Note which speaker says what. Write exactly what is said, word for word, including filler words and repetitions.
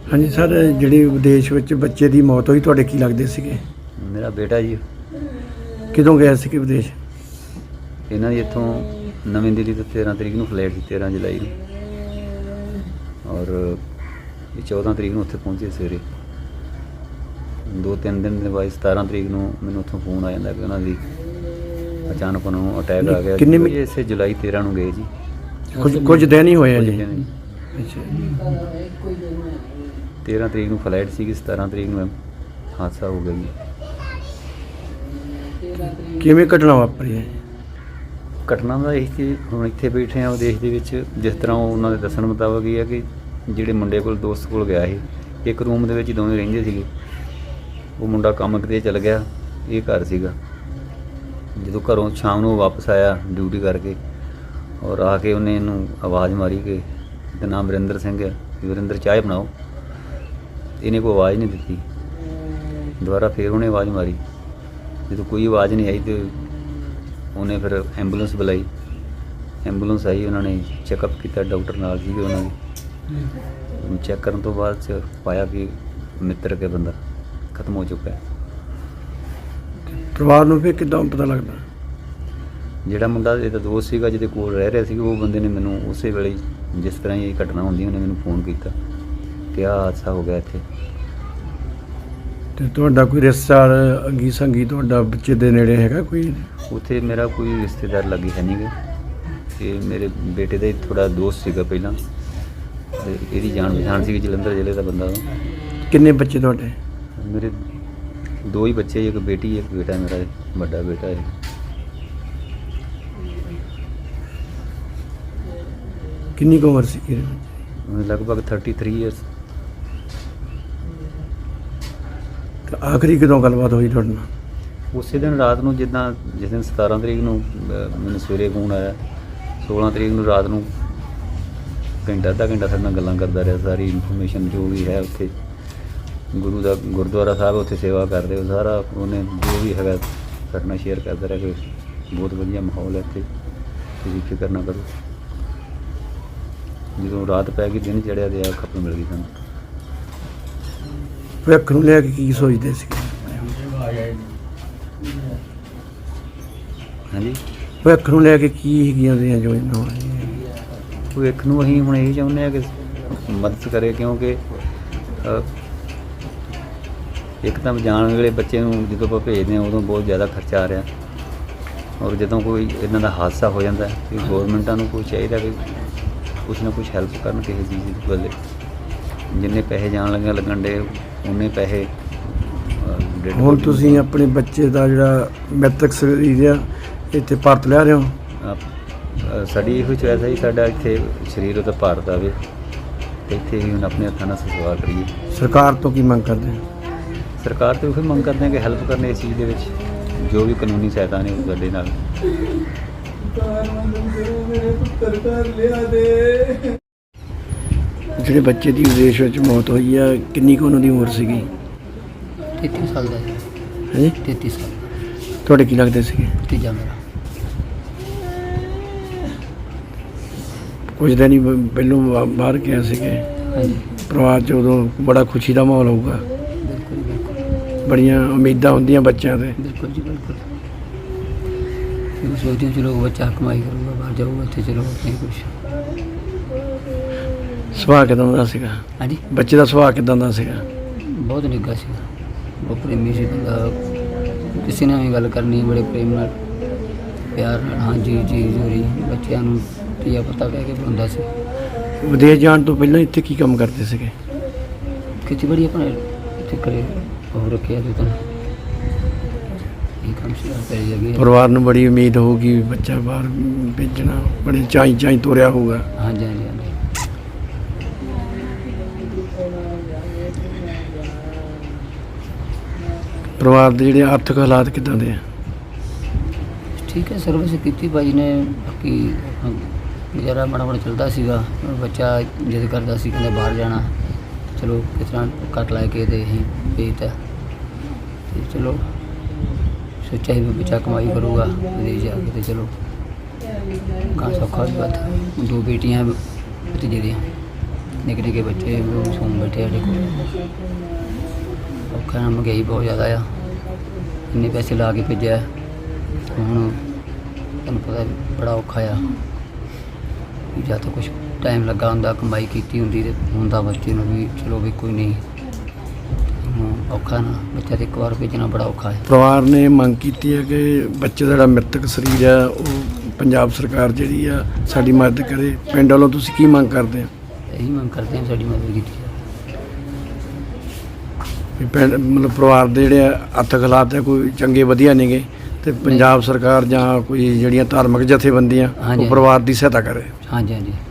Speaker 1: हाँ जी सर, ਜਿਹੜੀ ਵਿਦੇਸ਼ ਵਿੱਚ ਬੱਚੇ ਦੀ ਮੌਤ ਹੋਈ ਤੁਹਾਡੇ ਕੀ ਲੱਗਦੇ ਸੀਗੇ?
Speaker 2: ਮੇਰਾ ਬੇਟਾ ਜੀ,
Speaker 1: ਕਿਦੋਂ ਗਏ ਸੀ ਵਿਦੇਸ਼?
Speaker 2: ਇਹਨਾਂ ਦੀ ਇੱਥੋਂ ਨਵੀਂ ਦਿੱਲੀ ਤੋਂ ਤੇਰ੍ਹਾਂ ਤਰੀਕ ਨੂੰ ਫਲਾਈਟ ਸੀ, ਤੇਰ੍ਹਾਂ ਜੁਲਾਈ ਨੂੰ, ਔਰ ਇਹ ਚੌਦ੍ਹਾਂ ਤਰੀਕ ਨੂੰ ਉੱਥੇ ਪਹੁੰਚੇ ਸਵੇਰੇ। ਦੋ ਤਿੰਨ ਦਿਨ ਦੇ ਬਾਅਦ ਸਤਾਰ੍ਹਾਂ ਤਰੀਕ ਨੂੰ ਮੈਨੂੰ ਉੱਥੋਂ ਫੋਨ ਆ ਜਾਂਦਾ ਕਿ ਉਹਨਾਂ ਦੀ ਅਚਾਨਕ ਉਹਨਾਂ ਨੂੰ ਅਟੈਕ ਆ ਗਿਆ।
Speaker 1: ਕਿੰਨੇ
Speaker 2: ਜੀ ਇਸੇ ਜੁਲਾਈ ਤੇਰ੍ਹਾਂ ਨੂੰ ਗਏ ਜੀ,
Speaker 1: ਕੁਝ ਕੁਝ ਦਿਨ ਹੀ ਹੋਏ ਆ ਜੀ।
Speaker 2: ਅੱਛਾ, ਤੇਰ੍ਹਾਂ ਤਰੀਕ ਨੂੰ ਫਲਾਈਟ ਸੀਗੀ, ਸਤਾਰ੍ਹਾਂ ਤਰੀਕ ਨੂੰ ਹਾਦਸਾ ਹੋ ਗਿਆ ਜੀ।
Speaker 1: ਕਿਵੇਂ ਘਟਨਾ ਵਾਪਰੀ ਹੈ?
Speaker 2: ਘਟਨਾ ਦਾ ਇਹ ਕਿ ਹੁਣ ਇੱਥੇ ਬੈਠੇ ਆ ਵਿਦੇਸ਼ ਦੇ ਵਿੱਚ, ਜਿਸ ਤਰ੍ਹਾਂ ਉਹ ਉਹਨਾਂ ਦੇ ਦੱਸਣ ਮੁਤਾਬਕ ਇਹ ਹੈ ਕਿ ਜਿਹੜੇ ਮੁੰਡੇ ਕੋਲ ਦੋਸਤ ਕੋਲ ਗਿਆ ਸੀ, ਇੱਕ ਰੂਮ ਦੇ ਵਿੱਚ ਦੋਵੇਂ ਰਹਿੰਦੇ ਸੀਗੇ। ਉਹ ਮੁੰਡਾ ਕੰਮ ਕਿਤੇ ਚਲ ਗਿਆ, ਇਹ ਘਰ ਸੀਗਾ। ਜਦੋਂ ਘਰੋਂ ਸ਼ਾਮ ਨੂੰ ਵਾਪਸ ਆਇਆ ਡਿਊਟੀ ਕਰਕੇ, ਔਰ ਆ ਕੇ ਉਹਨੇ ਇਹਨੂੰ ਆਵਾਜ਼ ਮਾਰੀ ਕਿ ਇਹਦਾ ਨਾਮ ਵਰਿੰਦਰ ਸਿੰਘ ਹੈ, ਵਰਿੰਦਰ ਚਾਹ ਬਣਾਓ। ਇਹਨੇ ਕੋਈ ਆਵਾਜ਼ ਨਹੀਂ ਦਿੱਤੀ। ਦੁਬਾਰਾ ਫਿਰ ਉਹਨੇ ਆਵਾਜ਼ ਮਾਰੀ, ਜਦੋਂ ਕੋਈ ਆਵਾਜ਼ ਨਹੀਂ ਆਈ ਤਾਂ ਉਹਨੇ ਫਿਰ ਐਂਬੂਲੈਂਸ ਬੁਲਾਈ। ਐਂਬੂਲੈਂਸ ਆਈ, ਉਹਨਾਂ ਨੇ ਚੈੱਕਅਪ ਕੀਤਾ, ਡਾਕਟਰ ਨਾਲ ਸੀਗੇ ਉਹਨਾਂ ਦੇ। ਚੈੱਕ ਕਰਨ ਤੋਂ ਬਾਅਦ 'ਚ ਪਾਇਆ ਕਿ ਮਿੱਤਰ ਕੇ ਬੰਦਾ ਖਤਮ ਹੋ ਚੁੱਕਾ ਹੈ।
Speaker 1: ਪਰਿਵਾਰ ਨੂੰ ਫਿਰ ਕਿੱਦਾਂ ਪਤਾ ਲੱਗਦਾ? ਜਿਹੜਾ
Speaker 2: ਮੁੰਡਾ ਇਹਦਾ ਦੋਸਤ ਸੀਗਾ, ਜਿਹਦੇ ਕੋਲ ਰਹਿ ਰਿਹਾ ਸੀ, ਉਹ ਬੰਦੇ ਨੇ ਮੈਨੂੰ ਉਸੇ ਵੇਲੇ ਜਿਸ ਤਰ੍ਹਾਂ ਹੀ ਇਹ ਘਟਨਾ ਹੁੰਦੀ ਉਹਨੇ ਮੈਨੂੰ ਫੋਨ ਕੀਤਾ ਕਿ ਆਹ ਹਾਦਸਾ ਹੋ ਗਿਆ ਇੱਥੇ।
Speaker 1: ਤੇ ਤੁਹਾਡਾ ਕੋਈ ਰਿਸ਼ਤੇਦਾਰ ਅੰਗੀ ਸੰਗੀ ਤੁਹਾਡਾ ਬੱਚੇ ਦੇ ਨੇੜੇ ਹੈਗਾ ਕੋਈ?
Speaker 2: ਉੱਥੇ ਮੇਰਾ ਕੋਈ ਰਿਸ਼ਤੇਦਾਰ ਲੱਗੇ ਹੈ ਨਹੀਂ ਗੇ। ਇਹ ਮੇਰੇ ਬੇਟੇ ਦਾ ਹੀ ਥੋੜ੍ਹਾ ਦੋਸਤ ਸੀਗਾ ਪਹਿਲਾਂ, ਅਤੇ ਇਹਦੀ ਜਾਣ ਪਛਾਣ ਸੀਗੀ, ਜਲੰਧਰ ਜ਼ਿਲ੍ਹੇ ਦਾ ਬੰਦਾ ਉਹ।
Speaker 1: ਕਿੰਨੇ ਬੱਚੇ ਤੁਹਾਡੇ?
Speaker 2: ਮੇਰੇ ਦੋ ਹੀ ਬੱਚੇ, ਇੱਕ ਬੇਟੀ ਇੱਕ ਬੇਟਾ, ਮੇਰਾ ਵੱਡਾ ਬੇਟਾ ਹੈ।
Speaker 1: ਕਿੰਨੀ ਕੁ ਉਮਰ ਸੀ?
Speaker 2: ਲਗਭਗ ਥਰਟੀ ਥ੍ਰੀ ਈਅਰਸ।
Speaker 1: ਤੇ ਆਖਰੀ ਕਦੋਂ ਗੱਲਬਾਤ ਹੋਈ ਤੁਹਾਡੇ ਨਾਲ?
Speaker 2: ਉਸੇ ਦਿਨ ਰਾਤ ਨੂੰ, ਜਿੱਦਾਂ ਜਿਸ ਦਿਨ ਸਤਾਰ੍ਹਾਂ ਤਰੀਕ ਨੂੰ ਮੈਨੂੰ ਸਵੇਰੇ ਫੋਨ ਆਇਆ, ਸੋਲ੍ਹਾਂ ਤਰੀਕ ਨੂੰ ਰਾਤ ਨੂੰ ਘੰਟਾ ਅੱਧਾ ਘੰਟਾ ਸਾਡੇ ਨਾਲ ਗੱਲਾਂ ਕਰਦਾ ਰਿਹਾ। ਸਾਰੀ ਇਨਫੋਰਮੇਸ਼ਨ ਜੋ ਵੀ ਹੈ ਉੱਥੇ ਗੁਰੂ ਦਾ ਗੁਰਦੁਆਰਾ ਸਾਹਿਬ ਉੱਥੇ ਸੇਵਾ ਕਰਦੇ, ਉਹ ਸਾਰਾ ਉਹਨੇ ਜੋ ਵੀ ਹੈਗਾ ਸਾਡੇ ਨਾਲ ਸ਼ੇਅਰ ਕਰਦਾ ਰਿਹਾ ਕਿ ਬਹੁਤ ਵਧੀਆ ਮਾਹੌਲ ਹੈ ਇੱਥੇ, ਤੁਸੀਂ ਫਿਕਰ ਨਾ ਕਰੋ। ਜਦੋਂ ਰਾਤ ਪੈ ਗਈ, ਦਿਨ ਚੜ੍ਹਿਆ ਤੇ ਆ ਖਬਰ ਮਿਲ ਗਈ ਸਾਨੂੰ।
Speaker 1: ਭਵਿੱਖ ਨੂੰ ਲੈ ਕੇ ਕੀ ਸੋਚਦੇ ਸੀ?
Speaker 2: ਹਾਂਜੀ,
Speaker 1: ਭਵਿੱਖ ਨੂੰ ਲੈ ਕੇ ਕੀ ਹੈਗੀਆਂ ਉਹਦੀਆਂ ਯੋਜਨਾਵਾਂ?
Speaker 2: ਭਵਿੱਖ ਨੂੰ ਅਸੀਂ ਹੁਣ ਇਹੀ ਚਾਹੁੰਦੇ ਹਾਂ ਕਿ ਮਦਦ ਕਰੇ, ਕਿਉਂਕਿ ਇੱਕ ਤਾਂ ਜਾਣ ਵੇਲੇ ਬੱਚੇ ਨੂੰ ਜਦੋਂ ਆਪਾਂ ਭੇਜਦੇ ਹਾਂ ਉਦੋਂ ਬਹੁਤ ਜ਼ਿਆਦਾ ਖਰਚਾ ਆ ਰਿਹਾ, ਔਰ ਜਦੋਂ ਕੋਈ ਇਹਨਾਂ ਦਾ ਹਾਦਸਾ ਹੋ ਜਾਂਦਾ ਕਿ ਗੌਰਮੈਂਟਾਂ ਨੂੰ ਕੋਈ ਚਾਹੀਦਾ ਕਿ ਕੁਛ ਨਾ ਕੁਛ ਹੈਲਪ ਕਰਨ ਕਿਸੇ ਚੀਜ਼ ਦੀ ਵੱਲੇ। ਜਿੰਨੇ ਪੈਸੇ ਜਾਣ ਲੱਗਿਆ ਲੱਗਣ ਡੇ, ਉਨੇ ਪੈਸੇ
Speaker 1: ਹੁਣ ਤੁਸੀਂ ਆਪਣੇ ਬੱਚੇ ਦਾ ਜਿਹੜਾ ਮ੍ਰਿਤਕ ਸਰੀਰ ਆ ਇੱਥੇ ਭਾਰਤ ਲਿਆ ਰਹੇ ਹੋ?
Speaker 2: ਸਾਡੀ ਇਹੋ ਚੋਇਸ ਹੈ ਜੀ, ਸਾਡਾ ਇੱਥੇ ਸਰੀਰ ਉਹਦਾ ਭਾਰਤ ਆਵੇ ਅਤੇ ਇੱਥੇ ਹੀ ਹੁਣ ਆਪਣੇ ਹੱਥਾਂ ਨਾਲ ਸੰਸਕਾਰ ਕਰੀਏ।
Speaker 1: ਸਰਕਾਰ ਤੋਂ ਕੀ ਮੰਗ ਕਰਦੇ ਹੋ?
Speaker 2: ਸਰਕਾਰ ਤੋਂ ਇਹੋ ਮੰਗ ਕਰਦੇ ਹਾਂ ਕਿ ਹੈਲਪ ਕਰਨ ਇਸ ਚੀਜ਼ ਦੇ ਵਿੱਚ, ਜੋ ਵੀ ਕਾਨੂੰਨੀ ਸਹਾਇਤਾ ਨੇ ਉਹ ਸਾਡੇ ਨਾਲ।
Speaker 1: ਜਿਹੜੇ ਬੱਚੇ ਦੀ ਵਿਦੇਸ਼ ਵਿੱਚ ਮੌਤ ਹੋਈ ਆ, ਕਿੰਨੀ ਕੁ ਉਹਨਾਂ ਦੀ ਉਮਰ ਸੀਗੀ?
Speaker 3: ਤੇਤੀ ਸਾਲ ਦਾ ਜੀ।
Speaker 1: ਹਾਂਜੀ,
Speaker 3: ਤੇਤੀ ਸਾਲ।
Speaker 1: ਤੁਹਾਡੇ ਕੀ ਲੱਗਦੇ ਸੀਗੇ?
Speaker 3: ਤੀਜਾ ਮੇਰਾ।
Speaker 1: ਕੁਝ ਦਿਨ ਹੀ ਬ- ਪਹਿਲੋਂ ਬਾ- ਬਾਹਰ ਗਿਆ ਸੀਗੇ।
Speaker 3: ਹਾਂਜੀ,
Speaker 1: ਪਰਿਵਾਰ 'ਚ ਉਦੋਂ ਬੜਾ ਖੁਸ਼ੀ ਦਾ ਮਾਹੌਲ ਹੋਊਗਾ,
Speaker 3: ਬਿਲਕੁਲ ਬਿਲਕੁਲ
Speaker 1: ਬੜੀਆਂ ਉਮੀਦਾਂ ਹੁੰਦੀਆਂ ਬੱਚਿਆਂ 'ਤੇ।
Speaker 3: ਬਿਲਕੁਲ ਜੀ ਬਿਲਕੁਲ। ਇਹ ਸੋਚਦੇ ਚਲੋ ਬੱਚਾ ਕਮਾਈ ਕਰੂਗਾ, ਬਾਹਰ ਜਾਊਗਾ, ਇੱਥੇ ਚਲੋ ਨਹੀਂ ਕੁਛ।
Speaker 1: ਸੁਭਾਅ ਕਿੱਦਾਂ ਦਾ ਸੀਗਾ
Speaker 3: ਹਾਂਜੀ,
Speaker 1: ਬੱਚੇ ਦਾ? ਸੁਭਾਅ ਕਿੱਦਾਂ ਦਾ ਸੀਗਾ?
Speaker 3: ਬਹੁਤ ਨਿੱਘਾ ਸੀਗਾ, ਬਹੁਤ ਪ੍ਰੇਮੀ ਸੀ ਬੰਦਾ। ਕਿਸੇ ਨਾਲ ਵੀ ਗੱਲ ਕਰਨੀ ਬੜੇ ਪ੍ਰੇਮ ਨਾਲ, ਪਿਆਰ ਨਾਲ, ਹਾਂਜੀ ਜੀ ਜ਼ਰੂਰੀ। ਬੱਚਿਆਂ ਨੂੰ ਧੀਆ ਪਤਾ ਕਹਿ ਕੇ ਬੁਲਾਉਂਦਾ ਸੀ।
Speaker 1: ਵਿਦੇਸ਼ ਜਾਣ ਤੋਂ ਪਹਿਲਾਂ ਇੱਥੇ ਕੀ ਕੰਮ ਕਰਦੇ ਸੀਗੇ?
Speaker 3: ਖੇਤੀਬਾੜੀ ਆਪਣੇ ਇੱਥੇ ਕਰੇ ਉਹ ਰੱਖਿਆ ਤੇ ਤਾਂ ਇਹ ਕੰਮ ਸੀ ਪੈ ਜਾਗੇ।
Speaker 1: ਪਰਿਵਾਰ ਨੂੰ ਬੜੀ ਉਮੀਦ ਹੋਊਗੀ ਵੀ ਬੱਚਾ ਬਾਹਰ ਭੇਜਣਾ, ਬੜੇ ਚਾਈ ਚਾਈ ਤੋਰਿਆ ਹੋਊਗਾ।
Speaker 3: ਹਾਂਜੀ ਹਾਂਜੀ ਹਾਂਜੀ।
Speaker 1: ਪਰਿਵਾਰ ਦੇ ਜਿਹੜੇ ਆਰਥਿਕ ਹਾਲਾਤ ਕਿੱਦਾਂ ਦੇ ਆ?
Speaker 3: ਠੀਕ ਹੈ, ਸਰਵਿਸ ਕੀਤੀ ਭਾਜੀ ਨੇ, ਬਾਕੀ ਗੁਜ਼ਾਰਾ ਮਾੜਾ ਮਾੜਾ ਚੱਲਦਾ ਸੀਗਾ। ਬੱਚਾ ਜਿੱਦ ਕਰਦਾ ਸੀ, ਕਹਿੰਦਾ ਬਾਹਰ ਜਾਣਾ, ਚਲੋ ਕਿਸ ਤਰ੍ਹਾਂ ਕੱਟ ਲੈ ਕੇ ਤੇ ਅਸੀਂ ਭੇਜਤਾ। ਅਤੇ ਚਲੋ ਸੋਚਿਆ ਸੀ ਵੀ ਬੱਚਾ ਕਮਾਈ ਕਰੂਗਾ ਵਿਦੇਸ਼ ਜਾ ਕੇ, ਤੇ ਚਲੋ ਕਾਂ ਸੌਖਾ ਵੀ ਬਾਤ। ਦੋ ਬੇਟੀਆਂ ਭਤੀਜੇ ਦੀਆਂ। ਨਿੱਕੇ ਨਿੱਕੇ ਬੱਚੇ ਸੌਂ ਬੈਠੇ ਸਾਡੇ ਕੋਲ। ਔਖਾ ਨਾ, ਮਹਿੰਗਾਈ ਬਹੁਤ ਜ਼ਿਆਦਾ ਆ, ਇੰਨੇ ਪੈਸੇ ਲਾ ਕੇ ਭੇਜਿਆ, ਹੁਣ ਤੁਹਾਨੂੰ ਪਤਾ ਬੜਾ ਔਖਾ ਆ। ਜਾਂ ਤਾਂ ਕੁਛ ਟਾਈਮ ਲੱਗਾ ਹੁੰਦਾ, ਕਮਾਈ ਕੀਤੀ ਹੁੰਦੀ ਤੇ ਹੁੰਦਾ ਬੱਚੇ ਨੂੰ ਵੀ ਚਲੋ ਵੀ ਕੋਈ ਨਹੀਂ। ਹੁਣ ਔਖਾ ਨਾ, ਬੱਚਾ ਤੇ ਇੱਕ ਵਾਰ ਭੇਜਣਾ ਬੜਾ ਔਖਾ ਹੈ।
Speaker 1: ਪਰਿਵਾਰ ਨੇ ਮੰਗ ਕੀਤੀ ਹੈ ਕਿ ਬੱਚੇ ਦਾ ਜਿਹੜਾ ਮ੍ਰਿਤਕ ਸਰੀਰ ਆ ਉਹ ਪੰਜਾਬ ਸਰਕਾਰ ਜਿਹੜੀ ਆ ਸਾਡੀ ਮਦਦ ਕਰੇ। ਪਿੰਡ ਵੱਲੋਂ ਤੁਸੀਂ ਕੀ ਮੰਗ ਕਰਦੇ ਆ?
Speaker 3: ਇਹੀ ਮੰਗ ਕਰਦੇ ਹਾਂ ਸਾਡੀ ਮਦਦ ਕੀਤੀ ਜਾਵੇ।
Speaker 1: ਵੀ ਪਿੰਡ ਮਤਲਬ ਪਰਿਵਾਰ ਦੇ ਜਿਹੜੇ ਹੱਥ ਹਾਲਾਤ ਆ ਕੋਈ ਚੰਗੇ ਵਧੀਆ ਨੇਗੇ, ਤੇ ਪੰਜਾਬ ਸਰਕਾਰ ਜਾਂ ਕੋਈ ਜਿਹੜੀਆਂ ਧਾਰਮਿਕ ਜਥੇਬੰਦੀਆਂ
Speaker 3: ਹਾਂਜੀ।
Speaker 1: ਉਹ ਪਰਿਵਾਰ ਦੀ ਸਹਾਇਤਾ ਕਰੇ।
Speaker 3: ਹਾਂਜੀ ਹਾਂਜੀ